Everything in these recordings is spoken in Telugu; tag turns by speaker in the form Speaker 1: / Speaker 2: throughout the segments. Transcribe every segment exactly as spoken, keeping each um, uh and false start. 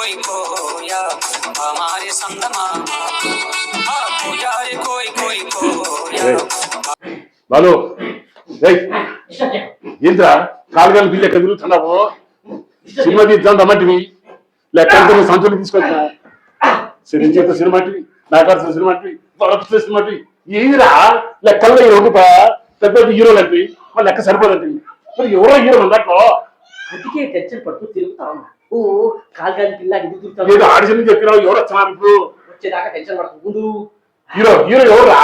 Speaker 1: कोई खोया हमारे संगमामा हाँ खोया रे कोई कोई खोया
Speaker 2: బాలు ఏంద్రా కాలుగాలు బిల్లు ఎక్కడ తిరుగుతున్నావు సినిమా తీద్దాం రమ్మంటివి లెక్క సంచులు తీసుకొచ్చా సినిమా చేత సినిమా నాగార్జున సినిమా సినిమా ఏదిరా లెక్కల్లో ఈ రూపా పెద్ద పెద్ద హీరోలు అంటే వాళ్ళ లెక్క సరిపోదండి మరి ఎవరో హీరో దాంట్లో
Speaker 3: అందుకే టెన్షన్ పడుతూ తిరుగుతా ఉన్నా ఓ కాలుగాలి పిల్ల ఎందుకు తిరుగుతా
Speaker 2: ఏదో ఆడిషన్ చెప్పినావు ఎవరు వచ్చినారు ఇప్పుడు
Speaker 3: వచ్చేదాకా టెన్షన్ పడుతుంది
Speaker 2: హీరో హీరో ఎవరా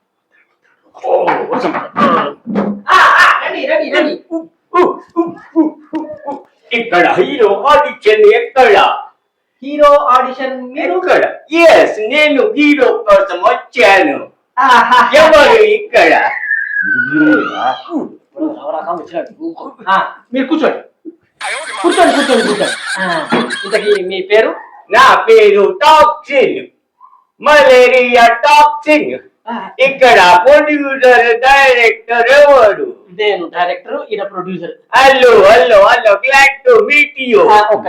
Speaker 4: ఇక్కడ హీరో ఆడిషన్ ఎక్కడ
Speaker 3: హీరో ఆడిషన్
Speaker 4: ఎక్కడ ఎస్ నేను హీరో కోసం వచ్చాను ఎవరు ఇక్కడ
Speaker 3: మీరు కూర్చోండి కూర్చోండి కూర్చోండి కూర్చోండి ఇంతకీ మీ పేరు
Speaker 4: నా పేరు టాక్సిన్ మలేరియా టాక్సిన్ ఇక్కడ ప్రొడ్యూసర్ డైరెక్టర్ ఎవరు
Speaker 3: నేను డైరెక్టర్ ఈయన producer
Speaker 4: hello hello hello glad to meet you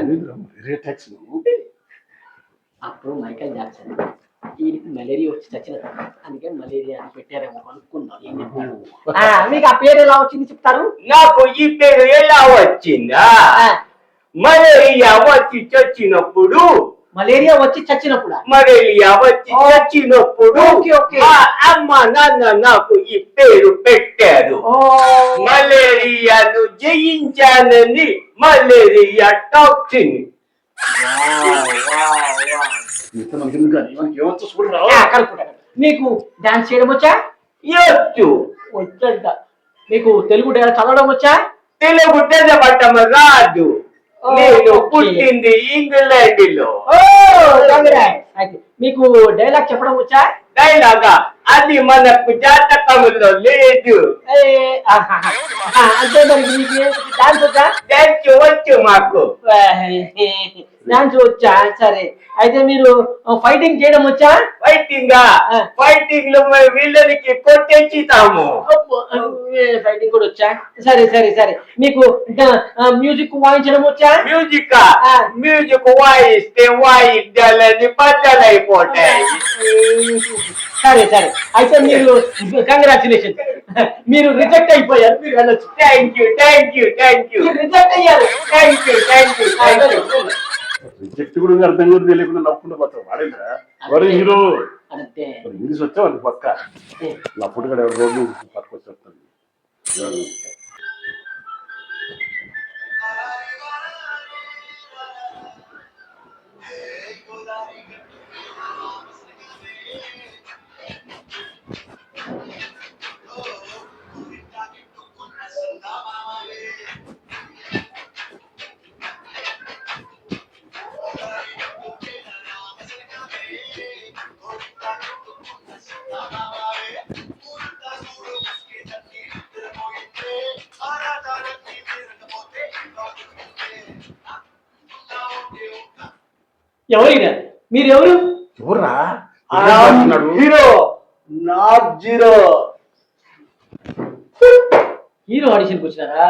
Speaker 3: అప్పుడు మైకేల్ జాక్సన్ ఈయనకి మలేరియా వచ్చి చచ్చిన అందుకే మలేరియా అని పెట్టారేమో అనుకున్నాను ఏం చెప్పారు మీకు ఆ పేరు ఎలా వచ్చింది చెప్తారు
Speaker 4: నాకు ఈ పేరు ఎలా వచ్చిందా మలేరియా వచ్చి చచ్చినప్పుడు
Speaker 3: మలేరియా వచ్చి చచ్చినప్పుడు
Speaker 4: మలేరియా వచ్చి చచ్చినప్పుడు అమ్మ నాన్న నాకు ఈ పేరు పెట్టారు మలేరియాను జయించానని మలేరియా టాక్సిన్
Speaker 3: మీకు డాన్స్ చేయడం వచ్చా
Speaker 4: వచ్చు
Speaker 3: వచ్చంట మీకు తెలుగు చదవడం వచ్చా
Speaker 4: తెలుగు తెల్లబట్టం రాదు నేను పుట్టింది ఇంగ్లాండ్ లో
Speaker 3: మీకు డైలాగ్ చెప్పడం వచ్చా
Speaker 4: డైలాగా అది మనకు జాతకంలో లేదు
Speaker 3: అంటే మరి మీకు డాన్స్ వచ్చా
Speaker 4: డాన్స్ వచ్చు మాకు
Speaker 3: డాన్స్ వచ్చా సరే అయితే మీరు ఫైటింగ్ చేయడం వచ్చా
Speaker 4: ఫైటింగ్ ఫైటింగ్ లో వీళ్ళకి కొట్టేస్తాము
Speaker 3: ఫైటింగ్ కూడా వచ్చా సరే సరే సరే మీకు మ్యూజిక్ వాయించడం వచ్చా
Speaker 4: మ్యూజిక్ మ్యూజిక్ వాయిస్తే వాయిద్యాలని బద్దలైపోతాయి
Speaker 3: సరే సరే అయితే మీరు కంగ్రాచులేషన్ మీరు రిజెక్ట్ అయిపోయారు మీరు వెళ్ళొచ్చు
Speaker 4: thank you thank you thank you
Speaker 3: reject అయ్యారు
Speaker 4: thank you thank you thank you
Speaker 2: reject కూడా అర్థం కూడా తెలియకుండా నవ్వుకుంటూ పోతాం వాడేంద్రా వాడు హీరో ఇంగ్లీష్ వచ్చా వాళ్ళకి పక్క నా పుట్టుకడ రోడ్డు పట్టుకొచ్చి వస్తుంది
Speaker 3: ఎవరు మీరు ఎవరు
Speaker 2: ఎవర్రా
Speaker 3: హీరో నాట్ జీరో హీరో ఆడిషన్కి వచ్చినారా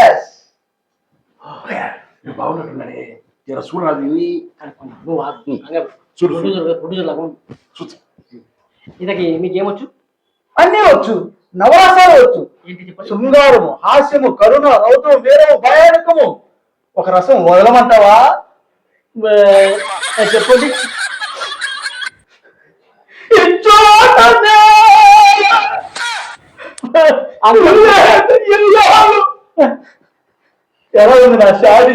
Speaker 2: బాగున్నట్టున్నాడే ఇలా చూడాలి
Speaker 3: ఇంతకి మీకేమొచ్చు
Speaker 5: అన్నీ వచ్చు నవరసాలు వచ్చు శృంగారము హాస్యము కరుణ రౌద్రం వీరము భయానకము ఒక రసం వదలమంటావా
Speaker 3: చెప్పండి
Speaker 5: ఎలా ఉంది నా షాడీ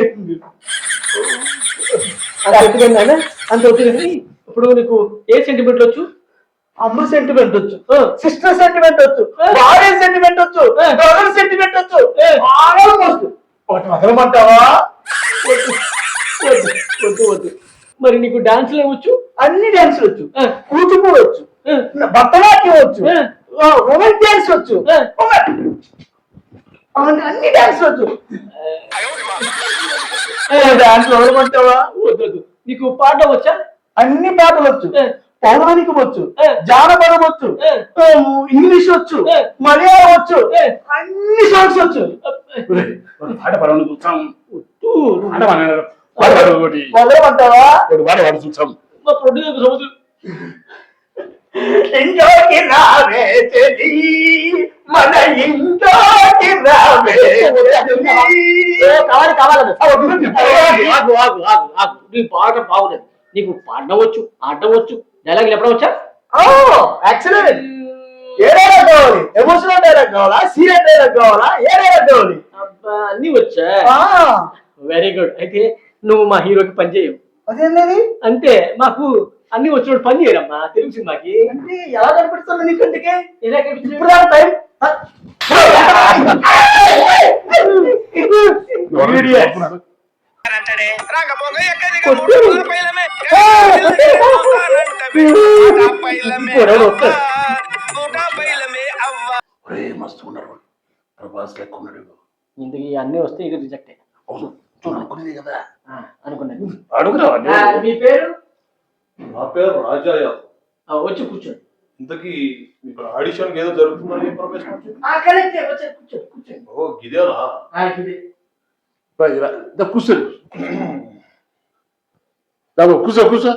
Speaker 3: అంత వచ్చింది ఇప్పుడు నీకు ఏ సెంటిమెంట్ వచ్చు
Speaker 5: అమ్మ సెంటిమెంట్ వచ్చు సిస్టర్ సెంటిమెంట్ వచ్చు భార్య సెంటిమెంట్ వచ్చు బ్రదర్ సెంటిమెంట్ వచ్చు ఆల్మోస్ట్ ఒకటి వదలమంటావా
Speaker 3: వద్దు వద్దు మరి నీకు డాన్సులు ఏమొచ్చు
Speaker 5: అన్ని డాన్సులు వచ్చు కూచిపూడి వచ్చు భరతనాట్యం వచ్చు రొమాన్స్ డాన్స్ వచ్చు అన్ని డాన్స్ వచ్చు డాన్స్ వదలమంటావా
Speaker 3: వద్దు నీకు పాట వచ్చా
Speaker 5: అన్ని పాటలు వచ్చు పౌరాణికం వచ్చు జానపదం వచ్చు ఇంగ్లీష్ వచ్చు మలయాళం వచ్చు అన్ని సాంగ్స్ వచ్చు
Speaker 2: ఆట పడవని చూస్తాం వాడు వాడు ఒకటి
Speaker 5: మొదలమంటావా
Speaker 2: ఒకటి వాడు వాడు చూసాం
Speaker 3: మా ప్రొడ్యూసర్ సముద్రం
Speaker 5: ఇంట్లోకి రావే చెలి మన ఇంట్లోకి రావే
Speaker 3: కావాలి కావాలి ఆగు ఆగు ఆగు ఆగు నీ పాట బాగులేదు నీకు పాడడం వచ్చు ఆడడం వచ్చు డైలాగ్ చెప్పడం వచ్చా
Speaker 5: ఎక్సలెంట్ ఏ డైలాగ్ కావాలి ఎమోషనల్ డైలాగ్ కావాలా సీరియస్ డైలాగ్ కావాలా ఏ డైలాగ్ కావాలి
Speaker 3: అబ్బా అన్ని వచ్చా వెరీ గుడ్ అయితే నువ్వు మా హీరోకి పని చేయవు
Speaker 5: అదేంటది
Speaker 3: అంటే మాకు అన్ని వచ్చినప్పుడు పని చేయరమ్మా తెలుగు సినిమాకి
Speaker 5: అంటే ఎలా కనిపిస్తుంది నీ కంటికి
Speaker 3: ఇలా కనిపించింది.
Speaker 5: ఇప్పుడు దాని టైం
Speaker 2: మస్తు ఉన్నాడు ప్రభాస్ లెక్క ఉన్నాడు
Speaker 3: ఇంతకీ అన్ని వస్తే ఇక రిజెక్ట్
Speaker 2: అవును చూడు అనుకునేది కదా
Speaker 3: అనుకున్నాను
Speaker 2: అడుగురా
Speaker 3: మీ పేరు
Speaker 6: నా పేరు రాజా యాదవ్.
Speaker 3: ఆ, వచ్చి కూర్చోండి
Speaker 6: ఇంతకీ ఇక్కడ ఆడిషన్ ఏదో జరుగుతుందని ఇన్ఫర్మేషన్ వచ్చింది.
Speaker 3: కరెక్ట్ వచ్చారు కూర్చోండి కూర్చోండి
Speaker 6: ఓ గిదేనా
Speaker 3: ఆ, ఇదే.
Speaker 2: కూర్చోండి బాబు కూర్చో కూర్చో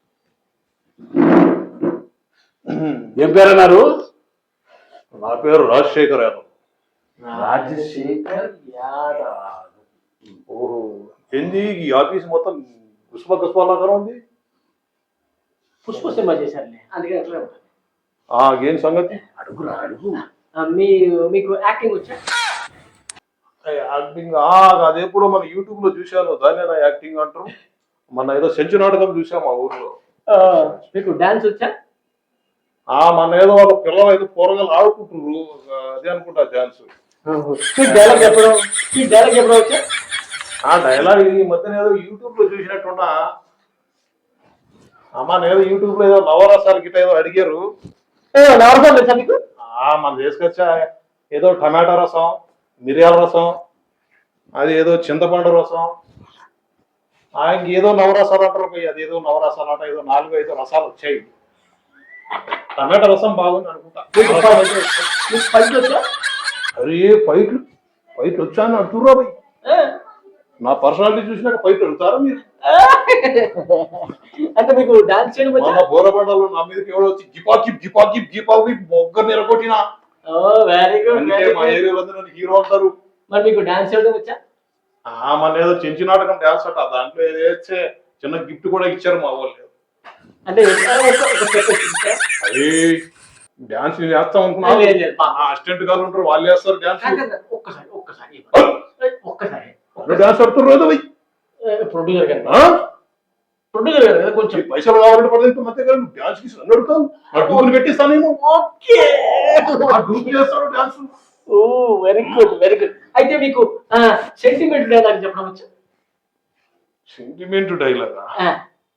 Speaker 2: ఏం పేరు అన్నారు
Speaker 6: నా పేరు రాజశేఖర్ యాదవ్.
Speaker 3: రాజశేఖర్ యాదవ్.
Speaker 6: ఓహో ఏంది ఈ ఆఫీస్ మొత్తం గుస్ప గుస్పాలాగా ఉంది.
Speaker 3: పుష్ప సినిమా చేశారులే అందుకే అట్లా ఉంటుంది
Speaker 6: ఆ ఏం సంగతి?
Speaker 2: అడుగురా అడుగు
Speaker 3: ఆ, మీ మీకు యాక్టింగ్ వచ్చా
Speaker 6: యాక్టింగ్ అదెప్పుడు మన యూట్యూబ్ లో చూశాను, దాన్ని నా యాక్టింగ్ అంటారు. మన ఏదో సెంచు నాటకం చూసాం మా ఊర్లో.
Speaker 3: ఆ, మీకు డాన్స్ వచ్చా
Speaker 6: ఆ మన ఏదో వాళ్ళ పిల్లలు ఏదో కూరగాయలు ఆడుకుంటున్నారు, అదే అనుకుంటా డాన్స్.
Speaker 3: మీకు డైలాగ్ చెప్పడం మీకు డైలాగ్ చెప్పడం వచ్చా
Speaker 6: ఆ డైలాగ్ ఈ మధ్యన ఏదో యూట్యూబ్ లో చూసినట్టున్నా. అమ్మ నేను యూట్యూబ్ లో ఏదో నవరసాలు గిట్ట ఏదో అడిగారు.
Speaker 3: నవరసం తెలుసా మీకు
Speaker 6: ఆ మన తీసుకొచ్చా ఏదో టమాటా రసం, మిరియాల రసం, అది ఏదో చింతపండు రసం, ఆ ఇంకేదో నవరసాలు అంటారు పోయి, అది ఏదో నవరసాలు అంట, ఏదో నాలుగు ఐదు రసాలు వచ్చాయి. టమాటా రసం బాగుంది అనుకుంటా.
Speaker 3: మీకు ఫైట్ వచ్చా
Speaker 6: అరే ఫైట్లు ఫైట్లు వచ్చా అని అంటుర్రా పోయి. నా పర్సనాలిటీ చూసినాక ఫైట్లు వెళ్తారా మీరు?
Speaker 3: అంటే మీకు డాన్స్ చేయడం వచ్చా
Speaker 6: మన బోరబండలో నా మీదకి ఎవడో వచ్చి గిపాకి గిపాకి గిపాకి మొగ్గ నిరగొట్టినా.
Speaker 3: వెరీ గుడ్
Speaker 6: అందుకే మా ఏరియాలో నన్ను హీరో అంటారు.
Speaker 3: మరి మీకు డాన్స్ చేయడం వచ్చా
Speaker 6: ఆ మన ఏదో చెంచు నాటకం డాన్స్ అట, దాంట్లో ఏదో వేస్తే చిన్న గిఫ్ట్ కూడా ఇచ్చారు మా వాళ్ళు.
Speaker 3: అంటే
Speaker 6: అదే డాన్స్ నేను వేస్తా అనుకున్నా,
Speaker 3: లేదు, లేదు, బా.
Speaker 6: అసిస్టెంట్ గారు ఉంటారు వాళ్ళు వేస్తారు డాన్స్.
Speaker 3: ఒక్కసారి ఒక్కసారి ఒక్కసారి
Speaker 6: డాన్స్ ఆడుతున్నారు కదా పోయి.
Speaker 3: ప్రొడ్యూసర్ గారు
Speaker 6: ఆ?
Speaker 3: ప్రొడ్యూసర్ గారు కదా కొంచెం
Speaker 6: ఈ పైసలు కావాలంటే పడలేదు మధ్య గారు డాన్స్ కి నన్ను అడుగుతావు, నా డూపులు పెట్టిస్తాను నేను.
Speaker 3: ఓకే
Speaker 6: ఆ డూపులు చేస్తారు dance.
Speaker 3: Oh very good very good అయితే మీకు సెంటిమెంట్ డైలాగ్ చెప్పడం వచ్చా
Speaker 6: సెంటిమెంట్ డైలాగా
Speaker 3: ఆ,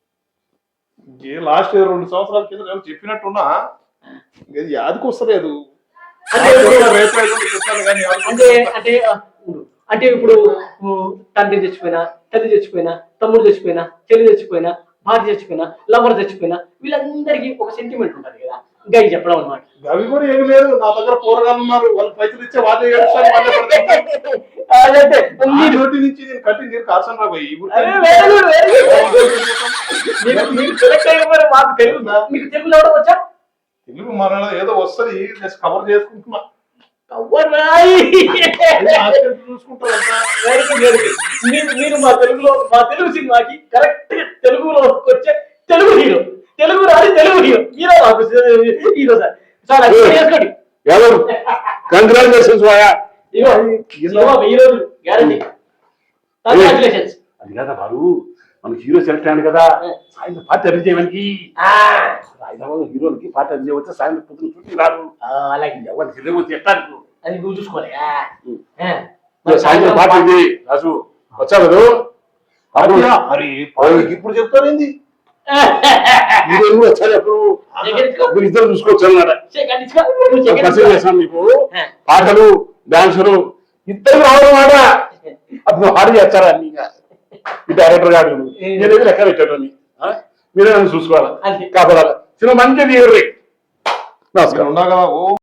Speaker 6: ఏ లాస్ట్ రెండు సంవత్సరాల కింద నేను చెప్పినట్టున్నా, ఇది యాదకి వస్తలేదు.
Speaker 3: అంటే
Speaker 6: రేపు ఎల్లుండి చెప్తాను కానీ యాదకి
Speaker 3: అంటే
Speaker 6: వస్తలేదు.
Speaker 3: అంటే ఆ, ఉండు. అంటే ఇప్పుడు ఊ, తండ్రి చచ్చిపోయినా తల్లి చచ్చిపోయినా తమ్ముడు చచ్చిపోయినా చెల్లి చచ్చిపోయినా భార్య చచ్చిపోయినా లవర్ చచ్చిపోయినా వీళ్ళందరికీ ఒక సెంటిమెంట్ ఉంటుంది కదా ఇంకా ఇది చెప్పడం అనమాట
Speaker 6: అవి కూడా ఏమి లేదు, నా దగ్గర కూరగాయలు ఉన్నారు, వాళ్ళు పైసలు ఇచ్చే వాళ్ళే ఏడుస్తారు, వాళ్ళే పడతారు.
Speaker 3: అదైతే
Speaker 6: ఈ నోటి నుంచి నేను కట్టి నీరు కాల్సాను రా పోయి.
Speaker 3: అరే, very good, very good. మీకు మీకు సెలెక్ట్ అయిన మరి మాకు తెలుగు మీకు తెలుగు చదవడం వచ్చా
Speaker 6: తెలుగు మన ఏదో వస్తుంది కవర్ చేసుకుంటున్నా.
Speaker 3: కవ్వరాయి.
Speaker 6: చూసుకుంటారు
Speaker 3: Very good, very good. మీరు మీరు మా తెలుగులో మా తెలుగు సినిమాకి కరెక్ట్ తెలుగులో వచ్చే తెలుగు హీరో తెలుగు రాని తెలుగు హీరో హీరో మాకు హీరో సార్ సార్ అది చేసుకోండి
Speaker 2: ఎవరు కంగ్రాచులేషన్స్ వాయా
Speaker 3: ఇగో సినిమా వెయ్యి రోజులు గ్యారంటీ కంగ్రాచులేషన్స్
Speaker 2: అది కదా బారు మనకి హీరో సెలెక్ట్ అయ్యాడు కదా, సాయంత్రం పార్టీ అరేంజ్ చేయడానికి హైదరాబాద్ హీరోలకి పార్టీ అరేంజ్ చేయవచ్చు, సాయంత్రం పొద్దున షూటింగ్ రాదు,
Speaker 3: అలాగే
Speaker 2: ఎవరికి హీరో వచ్చి ఎట్టారు
Speaker 3: అది నువ్వు చూసుకోవాలి
Speaker 2: సాయంత్రం పార్టీ ఉంది రాజు వచ్చా కదా
Speaker 6: అరే వాళ్ళకి ఇప్పుడు చెప్తారేంది?
Speaker 2: హీరోలు కూడా వచ్చారు అప్పుడు మీరు ఇద్దరు చూసుకోవచ్చు అన్నాడు. పరిచయం చేస్తాను మీకు పాటలు డాన్సులు ఇద్దరు రావడం మాట అప్పుడు హాడీ చేస్తారా అన్ని ఈ డైరెక్టర్ గారు నేను లెక్క పెట్టాడు మీరే నన్ను చూసుకోవాలి
Speaker 3: అంతే.
Speaker 2: కాపాడాలి సినిమా మంచిగా తీయరు. నమస్కారం.
Speaker 6: ఉండగా ఓ